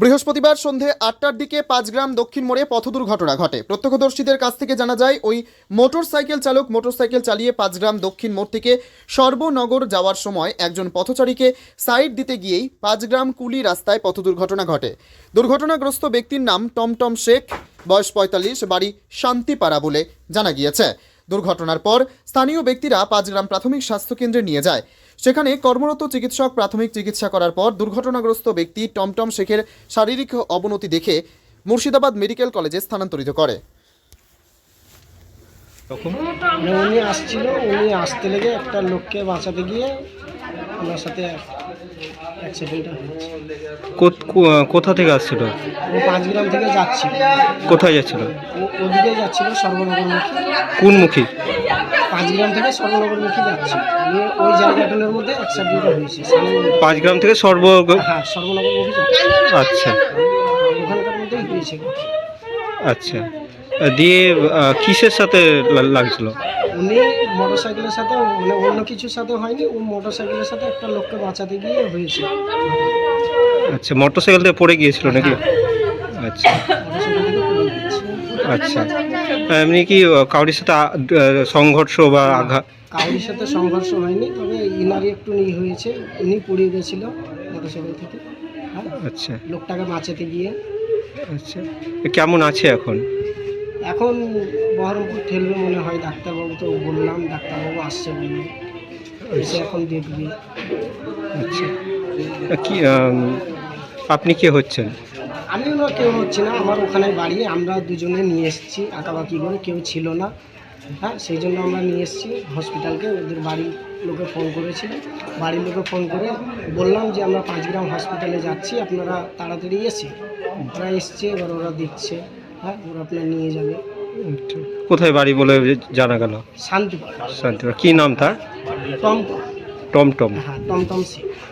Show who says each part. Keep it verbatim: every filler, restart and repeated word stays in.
Speaker 1: বৃহস্পতিবার সন্ধে আটটার দিকে পাঁচগ্রাম দক্ষিণ মোড়ে পথ দুর্ঘটনা ঘটে। প্রত্যক্ষদর্শীদের কাছ থেকে জানা যায়, ওই মোটর সাইকেল চালক মোটরসাইকেল চালিয়ে পাঁচগ্রাম দক্ষিণ মোড় থেকে সর্বনগর যাওয়ার সময় একজন পথচারীকে সাইড দিতে গিয়েই পাঁচগ্রাম কুলি রাস্তায় পথ দুর্ঘটনা ঘটে। দুর্ঘটনাগ্রস্ত ব্যক্তির নাম টমটম শেখ, বয়স পঁয়তাল্লিশ, বাড়ি শান্তিপাড়া বলে জানা গিয়েছে। দুর্ঘটনার পর স্থানীয় ব্যক্তিরা পাঁচগ্রাম প্রাথমিক স্বাস্থ্যকেন্দ্রে নিয়ে যায়। সেখানে কর্মরত চিকিৎসক প্রাথমিক চিকিৎসা করার পর দুর্ঘটনাগ্রস্ত ব্যক্তি টমটম শেখের শারীরিক অবনতি দেখে মুর্শিদাবাদ মেডিকেল কলেজে স্থানান্তরিত করে।
Speaker 2: মানে উনি আসছিল, উনি আসতে লেগে একটা লোককে বাঁচাতে গিয়ে ওনার সাথে অ্যাক্সিডেন্টটা হয়েছে।
Speaker 3: কোত- কো- কোথা থেকে আসছিল?
Speaker 2: ও পাঁচগ্রাম থেকে যাচ্ছিল,
Speaker 3: কোথায় যাচ্ছিল?
Speaker 2: ও ওদিকে যাচ্ছিল সর্বনগরমুখী,
Speaker 3: কোন মুখী?
Speaker 2: পাঁচগ্রাম থেকে সর্বনগরমুখী যাচ্ছিল। নিয়ে ওই জায়গাটার মধ্যে অ্যাক্সিডেন্টটা হয়েছে। সামনে-
Speaker 3: পাঁচ গ্রাম থেকে সর্ব
Speaker 2: হ্যাঁ, সর্বনগরমুখী যাচ্ছে,
Speaker 3: আচ্ছা
Speaker 2: ওখানকার মধ্যেই হয়েছে।
Speaker 3: আচ্ছা দিয়ে আহ, কিসের সাথে লা- লাগছিল?
Speaker 2: উনি মোটর সাইকেলের সাথে, মানে অন্য কিছুর সাথে হয়নি, ও মোটর সাইকেলের সাথে একটা লোককে বাঁচাতে গিয়ে হয়েছে।
Speaker 3: আচ্ছা মোটর সাইকেল থেকে পড়ে গিয়েছিল নাকি? আচ্ছা
Speaker 2: মোটরসাইকেল থেকে পড়ে গিয়েছে।
Speaker 3: আচ্ছা এমনি কি আহ, কারোর সাথে আ- আহ, সংঘর্ষ বা আঘাত?
Speaker 2: কাউরির সাথে সংঘর্ষ হয়নি, তবে ইনারই একটু ই হয়েছে, উনি পড়ে গেছিল মোটরসাইকেল থেকে। হ্যাঁ,
Speaker 3: আচ্ছা
Speaker 2: লোকটাকে বাঁচাতে গিয়ে।
Speaker 3: আচ্ছা কেমন আছে এখন?
Speaker 2: এখন বহরমপুর ঠেলবে মনে হয়, ডাক্তারবাবু তো বললাম, ডাক্তারবাবু আসছে বললো, এসে এখন দেখবি।
Speaker 3: আচ্ছা কি আম, আপনি কে হচ্ছেন?
Speaker 2: আমিও না, কেউ হচ্ছে না, আমার ওখানে বাড়ি, আমরা দুজনে নিয়ে এসেছি আঁকাবাকি করে, কেউ ছিল না। হ্যাঁ, সেই জন্য আমরা নিয়ে এসেছি হসপিটালকে। ওদের বাড়ির লোকে ফোন করেছিল, বাড়ির লোকে ফোন করে বললাম যে আমরা পাঁচগ্রাম হসপিটালে যাচ্ছি, আপনারা তাড়াতাড়ি এসে। ওরা এসছে, এবার ওরা দেখছে। হ্যাঁ, ওরা আপনার নিয়ে যাবে।
Speaker 3: আচ্ছা, কোথায় বাড়ি বলে জানা গেল?
Speaker 2: শান্তিপাড়া।
Speaker 3: শান্তিপুর। কি নাম তার?
Speaker 2: টমটম।
Speaker 3: টমটম।
Speaker 2: হ্যাঁ, টমটম সিং।